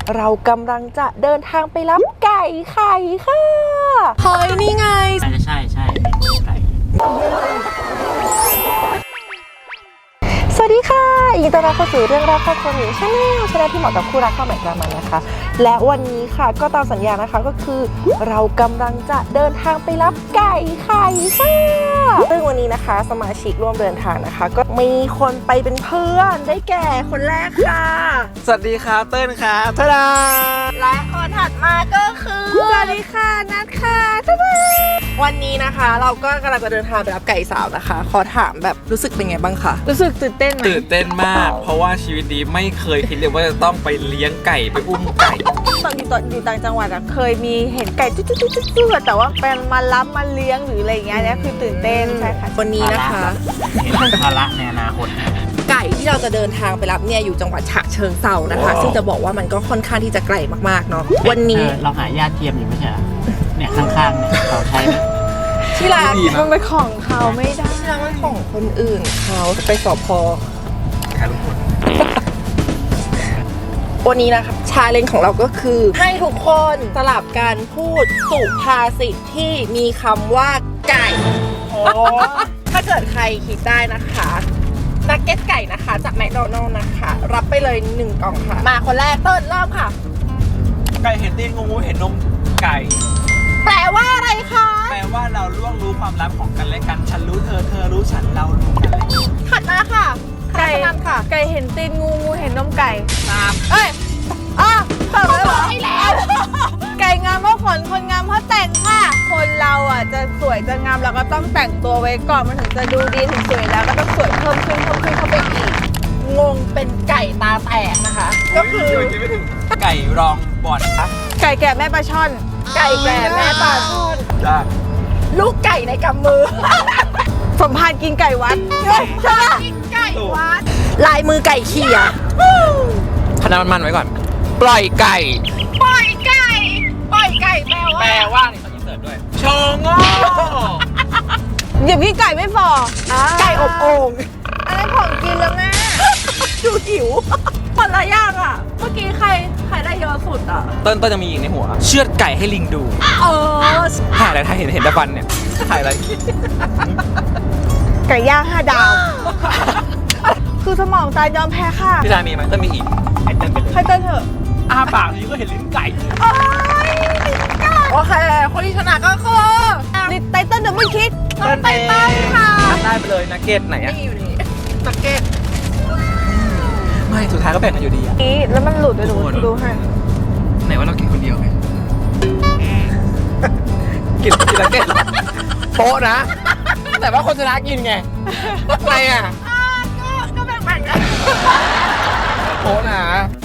เรากำลังจะเดินทางไปรับไก่ไข่ค่ะเฮ้ยนี่ไงใช่ไก่สวัสดีค่ะยินดีต้อนรับเข้าสู่เรื่องราวครอบครัวหมิวชาแนลที่เหมาะกับคู่รักข้าวใหม่กลางมันนะคะและวันนี้ค่ะก็ตามสัญญานะคะก็คือเรากำลังจะเดินทางไปรับไก่ไข่ค่ะซึ่งวันนี้นะคะสมาชิกร่วมเดินทางนะคะก็มีคนไปเป็นเพื่อนได้แก่คนแรกค่ะสวัสดีครับเติ้ลครับทาดาและคนถัดมาก็คือสวัสดีค่ะนัทค่ะทาดาวันนี้นะคะเราก็กำลังจะเดินทางไปรับไก่สาวนะคะขอถามแบบรู้สึกเป็นไงบ้างคะรู้สึกตื่นเต้นไหมตื่นเต้นมากเพราะว่าชีวิตนี้ไม่เคยคิดเลยว่าจะต้องไปเลี้ยงไก่ไปอุ้มไก่ตอนอยู่ต่างจังหวัดอะเคยมีเห็นไก่จุ๊ดๆๆแต่ว่าเป็นมารับมาเลี้ยงหรืออะไรอย่างเงี้ยเนี่ยคือตื่นเต้นใช่ค่ะวันนี้นะคะเห็นภาระในอนาคตไก่ที่เราจะเดินทางไปรับเนี่ยอยู่จังหวัดฉะเชิงเทรานะคะซึ่งจะบอกว่ามันก็ค่อนข้างที่จะไกลมากๆเนาะวันนี้เราหาญาติเทียมอยู่ไม่ใช่เนี่ยข้างๆเนี่ยเขาใช้ที่ร้านมันเป็นของเขาไม่ได้ที่ร้านมันของคนอื่นเขาไปสพวันนี้นะคะชาเลนจ์ของเราก็คือให้ทุกคนสลับกันพูดสุภาษิตที่มีคำว่าไก่ถ้าเกิดใครคิดได้นะคะนักเก็ตไก่นะคะจากแมคโดนัลด์นะคะรับไปเลย1 กล่องค่ะมาคนแรกเติ้ลเริ่มค่ะไก่เห็นตีนงูเห็นนมไก่แปลว่าอะไรคะแปลว่าเราล่วงรู้ความลับของกันและกันฉันรู้เธอเธอรู้ฉันเรารู้กันและกันถัดมาค่ะไก่ค่ะไก่เห็นตีนงูงูเห็นนมไก่ตามเอ้ยตอบแล้วเหรอไม่แล้วไก่งามเพราะขนคนงามเพราะแต่งค่ะคนเราอ่ะจะสวยจะงามเราก็ต้องแต่งตัวไว้ก่อนมันถึงจะดูดีถึงสวยแล้วก็ต้องสวยเพิ่มขึ้นเข้าไปอีกงงเป็นไก่ตาแตกนะคะก็คือไก่รองบอลครับไก่แก่แม่ปลาช่อนไก่แก่แม่ปลาช่อนลูกไก่ในกำมือสมภารกินไก่วัดใช่กินไก่วัดลายมือไก่เขี่ยคณะมันไว้ก่อนปล่อยไก่แปลว่านี่เขาอินเสิร์ตด้วยโชงโง่อย่าพี่ไก่ไม่ฟอไก่อบโอ่งอันนั้นของกินแล้วแม่ดูหิวคนละอย่างอ่ะเมื่อกี้ใครได้เยอะสุดอ่ะต้นจะมีอีกในหัวเชือดไก่ให้ลิงดูถ่ายอะไรถ่ายเห็นตะฟันเนี่ยถ่ายอะไรไก่ย่าง5 ดาวคือสมองตายยอมแพ้ค่ะพี่ชายมีไหมต้องมีอีกให้เต้นไปเลยให้เต้นเถอะปากนี้ก็เห็นลิ้นไก่โอเคคนที่ชนะก็คือไตเติ้ลเดอะไม่คิดไตเติ้ลค่ะได้ไปเลยนักเก็ตไหนอะนี่อยู่นี่นักเก็ตไม่สุดท้ายก็แบ่งกันอยู่ดีอะแล้วมันหลุดไปดูให้ไหนว่าเรากินคนเดียวไงกินนักเก็ตโป๊ะนะแต่ว่าคนชนะกินไงอะไรอะก็แบ่งกันโป๊ะนะ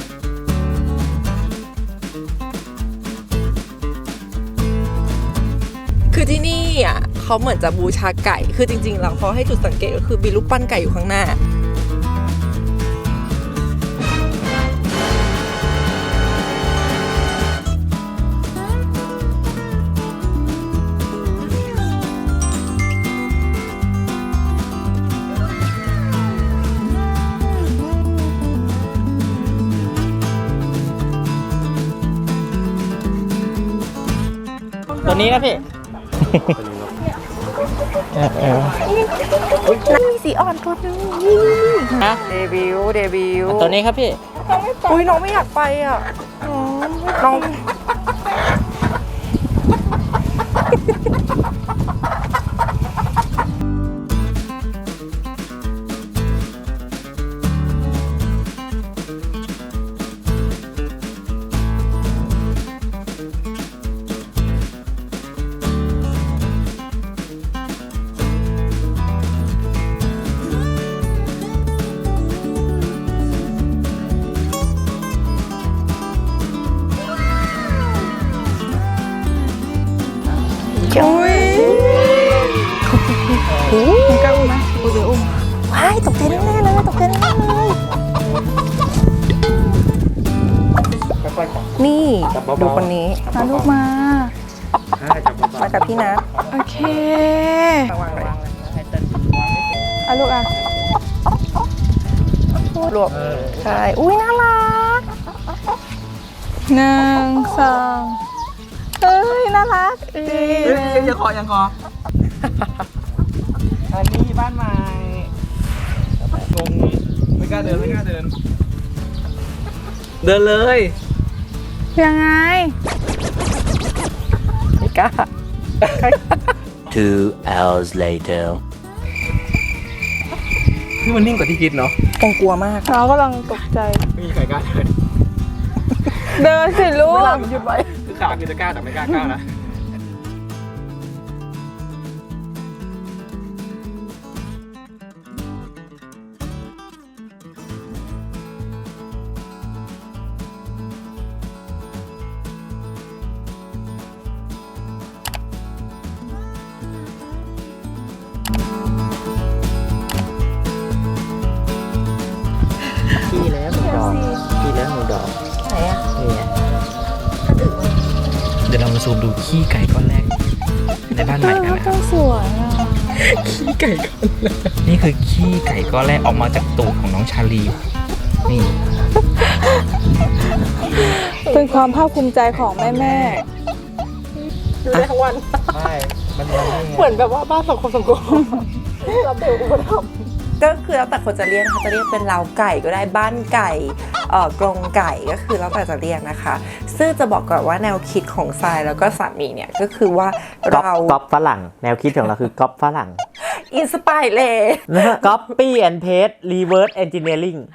คือที่นี่อ่ะเขาเหมือนจะบูชาไก่คือจริงๆแล้วเขาให้จุดสังเกตก็คือมีรูปปั้นไก่อยู่ข้างหน้าตัวนี้นะพี่มีสีอ่อนตัวนึงนะเดบิวต์ตัวนี้ครับพี่อุ้ยน้องไม่อยากไปอ่ะน้องมันกล้าอุ้มไหมเดี๋ยวอุ้มว้ายตกใจแน่เลยนี่ดูคนนี้มาลูกมากับพี่นัทโอเควางเลยลูกรวบใช่อุ้ยน่ารัก 1 2เอ้ยน่ารักยังคออันนี้บ้านใหม่งงไม่กล้าเดิน เดินเลยยังไงไม่กล้า 2 hours later. คือมันนิ่งกว่าที่คิดเนาะคงกลัวมากเรากำลังตกใจไม่มีใครกล้าเดินเดินสิลูกเวลามันหยุดไว้คือขาคือจะกล้าแต่ไม่กล้าก้าวนะขี้แล้วหนึ่งดอกขี้แล้วหนึ่งดอกไหนอะนี่ไงเดี๋ยวเรามาซูมดูขี้ไก่ก้อนแรกในบ้านใหม่กันนะครับสวยอ่ะขี้ไก่ก้อนแรกนี่คือขี้ไก่ก้อนแรกออกมาจากตูดของน้องชาลีนี่เป็นความภาคภูมิใจของแม่ดูได้ทั้งวันใช่มันนี่ไงเหมือนแบบว่าบ้านสังคมรับเบลอุปถัมภ์ก็คือแล้วแต่คนจะเรียกนะคะจะเรียกเป็นเล้าไก่ก็ได้บ้านไก่กรงไก่ก็คือแล้วแต่จะเรียกนะคะ ซึ่งจะบอกก่อนว่าแนวคิดของทรายแล้วก็สามีเนี่ยก็คือว่าเราก๊อปฝรั่งแนวคิดของเราคือก๊อปฝรั่งอินสปายเลย Copy and paste reverse engineering